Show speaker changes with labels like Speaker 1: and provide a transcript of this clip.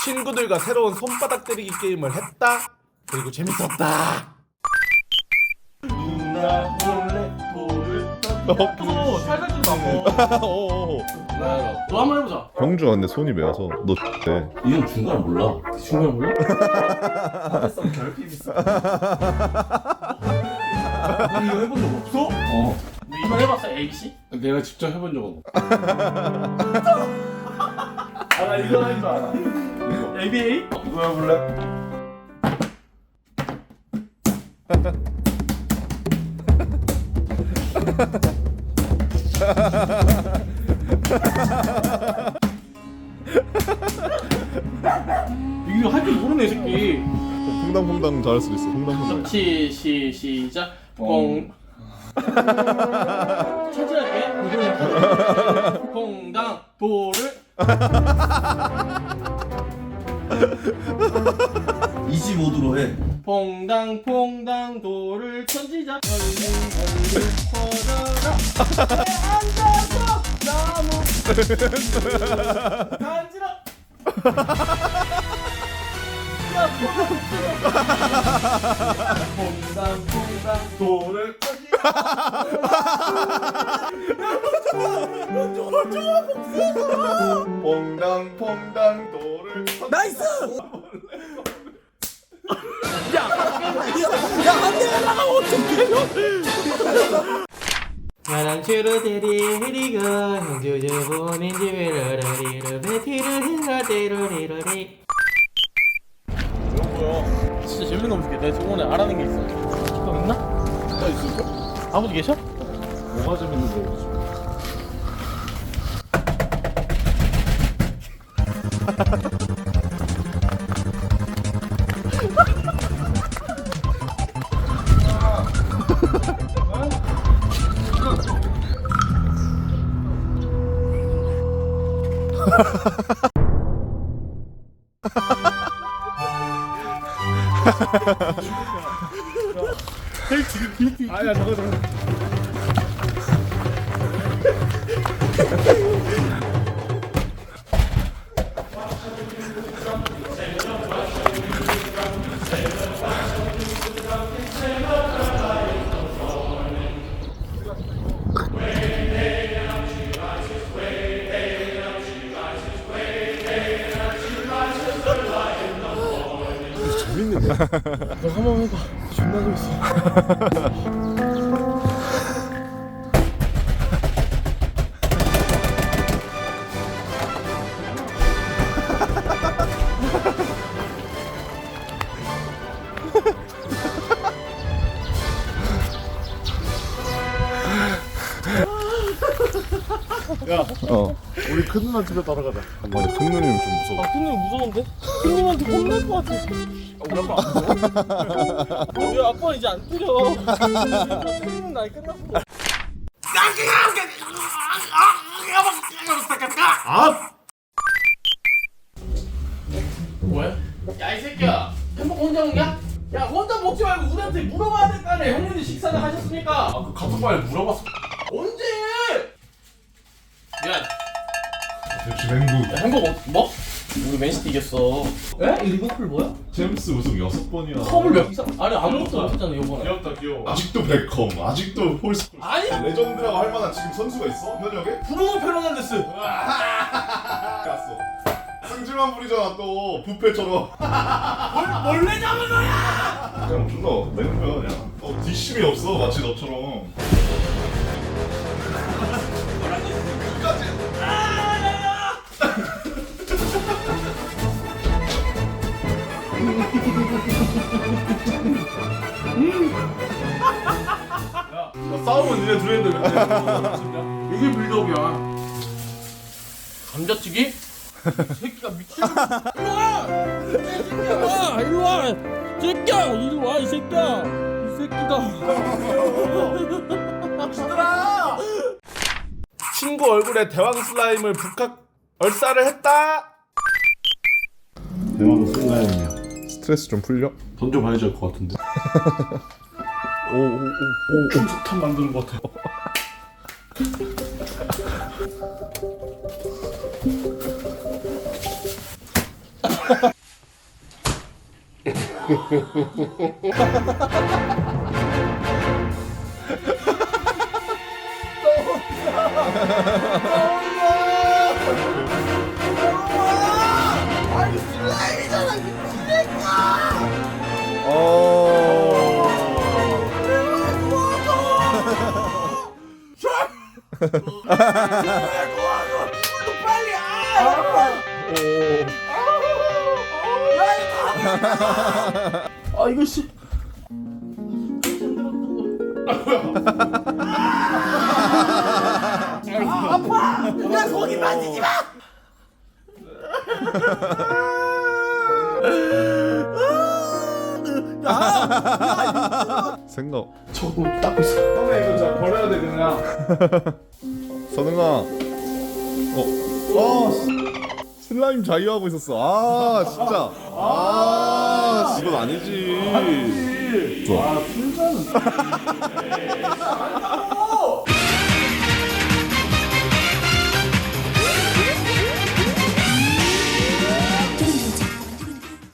Speaker 1: 친구들과 새로운 손바닥 때리기 게임을 했다. 그리고 재밌었다.
Speaker 2: 누나 몰래 돌을 던져. 살살 좀 나고. 너 한번 해보자.
Speaker 3: 형주가 근데 손이 매워서 너 X대.
Speaker 2: 이 형 중간을 몰라. 중간을 몰라?
Speaker 1: 하드성 결핍 있어.
Speaker 2: 너 이거 해본 적 없어? 어. 너 이번 해봤어? ABC? 내가 직접 해본 적은 없어. 나 이거 할 줄 알아. 이거. ABA? 이거 해볼래? 이거 할 줄 모르네 이 새끼.
Speaker 3: 퐁당퐁당 잘할 수도 있어. 퐁당퐁당.
Speaker 2: 시작. 퐁. 천천히 퐁당 돌을
Speaker 4: 25도로 해.
Speaker 2: 퐁당 퐁당 돌을 던지자. 퍼져라. 앉아서 나무 간지러. 퐁당 퐁당 돌을
Speaker 3: 퐁당퐁당 돌을.
Speaker 1: 나이스.
Speaker 2: 야랑추루 데리리가 형주주 보낸 집에 라라리라 베티를 히라데로리라리. 이거 뭐야? 진짜 재밌는 거 없을게. 내가 저번에 알아낸 게 있어. 형 있나? 나 있을까? 아버지 계셔?
Speaker 1: 뭐가 재밌는 거지? 아야 저거.
Speaker 3: 재밌는데?
Speaker 2: 너 한번 해봐. 존나 재밌어.
Speaker 1: 야,
Speaker 3: 어.
Speaker 1: 우리 큰 누나 집에 따라가자.
Speaker 3: 아니 큰 누님은 좀 무서워.
Speaker 2: 아, 손님 무서운데? 손님한테 혼날 것 같아.
Speaker 1: 우리 아빠 안 보여?
Speaker 2: 왜 아빠 이제 안 때려? 손님은 날 끝났어.
Speaker 1: 아!
Speaker 2: 뭐야? 야 이 새끼야, 햄버거 혼자 먹냐? 야 혼자 먹지 말고 우리한테 물어봐야 될 거 아니야. 형님들 식사는 하셨습니까?
Speaker 1: 그 카톡방에 물어봤어.
Speaker 2: 언제? 야,
Speaker 1: 대충 행복.
Speaker 2: 야 햄버거 뭐? 우리 맨시티 이겼어. 에? 이 리버풀 뭐야?
Speaker 1: 잼스 우승 6번이야.
Speaker 2: 컵을 몇 이상? 아니 아무것도 못했잖아 이번에.
Speaker 1: 귀엽다 귀여워. 아직도 베컴, 아직도 홀스콜.
Speaker 2: 아니
Speaker 1: 레전드라고 할 만한 지금 선수가 있어? 현역에?
Speaker 2: 브루노 페르난데스.
Speaker 1: 갔어. 승질만 부리잖아 또 부패처럼.
Speaker 2: 원래 잡은 거야.
Speaker 1: 그냥 존나 내는 거야 그냥. 뒷심이 없어 마치 너처럼. 야, 싸우면 니네 둘인데 왜 이게 빌드업이야.
Speaker 2: 감자튀기? 이 새끼가 미친놈. 일로 와! 새끼야! 이리 와, 이 새끼야! 이 새끼가.
Speaker 1: 친구 얼굴에 대왕 슬라임을 북학 얼싸를 했다.
Speaker 4: 대왕 슬라임이야.
Speaker 3: 스트레스 좀 풀려?
Speaker 4: 던져봐야 될 것 같은데.
Speaker 3: 오오오.
Speaker 1: 춤석탄 만드는 것 같아.
Speaker 2: 아 이거 씨. 야 거기 만지지 마.
Speaker 3: 생각.
Speaker 2: 저거 닦고 있어.
Speaker 1: 형네 이거 진짜 버려야 돼 그냥.
Speaker 3: 선웅아. 슬라임 자유하고 있었어. 아 진짜. 아 이건 아니지. 좋아.
Speaker 1: 아 술잔은.